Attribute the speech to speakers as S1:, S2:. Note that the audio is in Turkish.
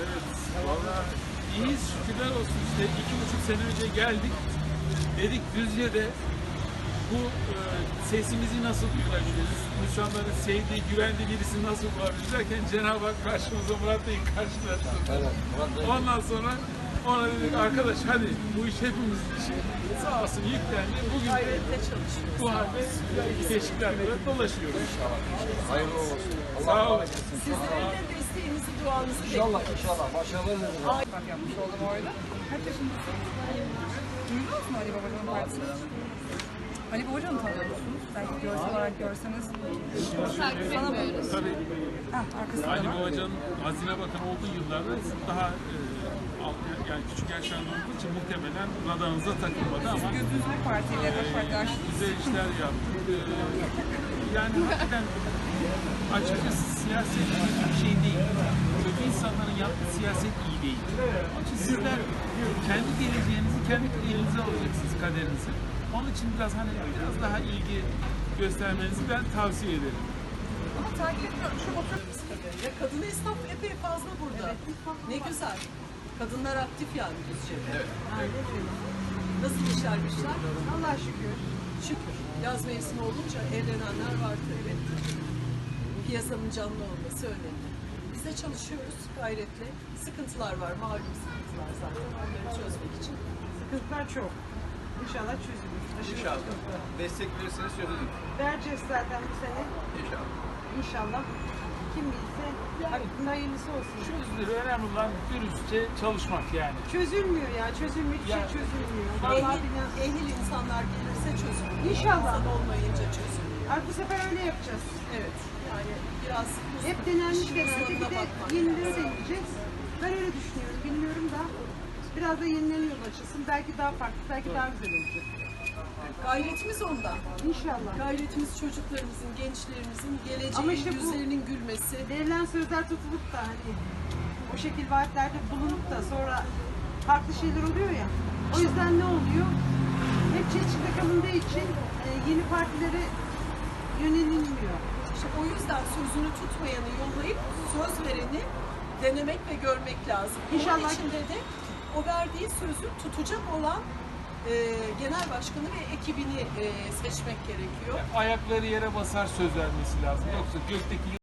S1: Vallahi iyiyiz, şükürler olsun. İşte 2,5 sene önce geldik. Dedik Düzce'de bu sesimizi nasıl duyurabiliriz? İnsanların sevdiği, güvendiği birisini nasıl bulabiliriz derken Cenab-ı Hak karşımıza Murat Bey'i karşılaştırdı. Ondan sonra ona dedik arkadaş hadi bu iş hepimizin işi. Sağ olsun yüklendi. Bugün de bu halde Beşiktaş'ta dolaşıyoruz.
S2: İnşallah. Hayırlı olsun.
S1: Sağ olun.
S3: Sizlerin de desteğinizi, duanızı
S2: İnşallah,
S3: bekliyoruz.
S2: inşallah. Başarılar dilerim.
S4: Bak yapmış oldum orada. Kaç yaşındasın? Duydunuz mu Ali Babacan'ın partisini? Ali Babacan'ı tanıyor musunuz? Belki görsel olarak görseniz.
S1: Tabii
S4: Arkasında
S1: Ali
S4: var.
S1: Babacan'ın Hazine Bakanı olduğu yıllarda daha yani küçük yaşlarda olduğu için muhtemelen radarınıza takılmadı ama
S4: Gözünüz bir partiyle AK Parti açtınız.
S1: güzel işler yaptık. Yani hakikaten açıkçası siyaset iyi bir şey değil. Kötü insanların yaptığı siyaset iyi değil. Onun için sizler kendi geleceğinizi kendi elinize alacaksınız, kaderinizi. Onun için biraz daha ilgi göstermenizi ben tavsiye ederim.
S4: Ama takip ediyorum. Şu otur.
S3: Ya kadın esnaf epey fazla burada. Ne güzel. Kadınlar aktif yani Düzce'de. Evet. Nasıl işler güçler?
S4: Allah'a şükür.
S3: Şükür. Yaz mevsimi olunca evlenenler var tabii. Piyasanın canlı olması önemli. Biz de çalışıyoruz gayretle. Sıkıntılar var, malum sıkıntılar zaten. Onları çözmek için.
S5: Sıkıntılar çok. İnşallah çözülür.
S2: İnşallah. Destek verirseniz çözülür.
S5: Vereceğiz zaten bu sene.
S2: İnşallah.
S5: İnşallah. Kim bilse hakkında hayırlısı olsun.
S1: Çözülür. Önemli olan dürüstçe çalışmak yani.
S5: Çözülmüyor ya. Çözülmek şey çözülmüyor. Vallahi billahi.
S3: Ehil insanlar gelirse çözülür.
S5: İnşallah.
S3: İnsan olmayınca çözülür.
S5: Artık bu sefer öyle yapacağız.
S3: Evet. Yani biraz
S5: Hep denenmiş
S3: işin
S5: denendi.
S3: sonuna
S5: Bir de
S3: bakmak
S5: yenileri
S3: lazım.
S5: deneyeceğiz. Ben öyle düşünüyorum. Bilmiyorum da. Biraz da yenilerine yol açılsın. Belki daha farklı, belki daha güzel olacak.
S3: Gayretimiz ondan.
S5: İnşallah.
S3: Gayretimiz çocuklarımızın, gençlerimizin geleceği,
S5: Ama işte bu-
S3: yüzlerinin gülmesi.
S5: Verilen sözler tutulup da hani o şekil vaatlerde bulunup da sonra farklı şeyler oluyor ya. O yüzden ne oluyor? Hep çelişkide kalındığı için yeni partilere yönelilmiyor.
S3: İşte o yüzden sözünü tutmayanı yollayıp söz vereni denemek ve görmek lazım.
S5: İnşallah.
S3: Bunun içinde de o verdiği sözü tutacak olan genel başkanı ve ekibini seçmek gerekiyor.
S1: Ayakları yere basar söz vermesi lazım. Yoksa gökteki